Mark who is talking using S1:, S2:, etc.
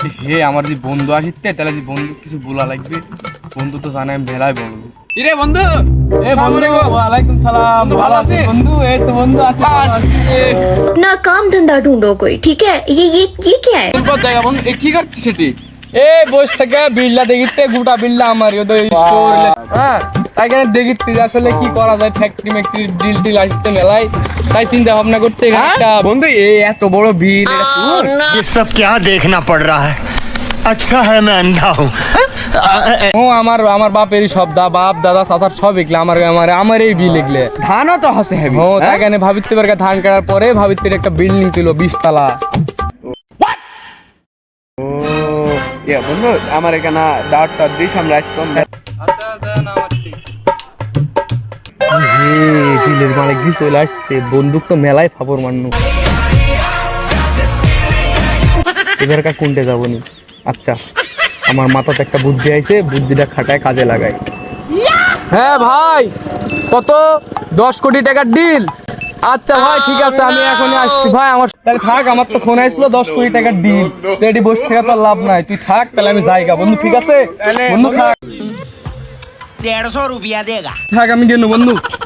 S1: হে আমার যে বন্ধু আসিতে তাহলে যে বন্ধু কিছু বলা লাগবে, বন্ধু তো জানে আমি ভেলায় বলবো।
S2: কিরে বন্ধু,
S1: এ বন্ধু, ওয়ালাইকুম সালাম। ভালো আছিস বন্ধু? এই তো বন্ধু আছি।
S3: अपना काम धंधा ढूंढो कोई, ठीक है? ये क्या है?
S2: তোর জায়গা বন্ধু, এ কি করছিস সেটি?
S1: এ বস থেকে বিল্লা দেখিতে, গোটা বিল্লা আমারই ওদের স্টোর। হ্যাঁ, তাই কেন দেখিতে যে আসলে কি করা যায়, ফ্যাক্টরি ম্যাক্টরি ডিল টিল আসতে মেলায়, তাই চিন্তা ভাবনা করতে এখানে একটা
S2: বন্ধু এই এত বড় বিল, এটা তোর?
S4: ये सब क्या देखना पड़ रहा है। अच्छा है मैं अंधा हूँ।
S1: ও আমার আমার বাপেরই সব বাপ দাদা চাচার সব এগুলো আমার এই বিল এগুলো।
S2: ধানও তো হাসে হেবি।
S1: ও তাই কেন ভাবিতে পারে ধান কাটার পরে ভাবিতে একটা বিল্ডিং ছিল 20 তলা।
S2: ও ইয়া বন্ধু, আমার এখানে দাওয়াতটা দিস, আমরা আসতাম।
S1: বিলের মালিক দিয়ে চলে আসছে, বন্দুক তো মেলায় ফাপড় মারনু। এবার কোনটে যাবো নি? আচ্ছা, আমার মাথাতে একটা বুদ্ধি আইছে, বুদ্ধিটা খাটায় কাজে লাগাই। হ্যাঁ ভাই, কত? 10 কোটি টাকার ডিল। আচ্ছা ভাই ঠিক আছে, আমি এখনই আসছি ভাই। আমার তাহলে থাক, আমার তো ফোন আসলো 10 কোটি টাকার ডিল। রেডি বসে থাকা তো লাভ নাই, তুই থাক তাহলে আমি যাইগা বন্ধু। ঠিক আছে বন্ধু, থাক।
S4: 150 रुपया देगा।
S1: থাক, আমি গেল বন্ধু।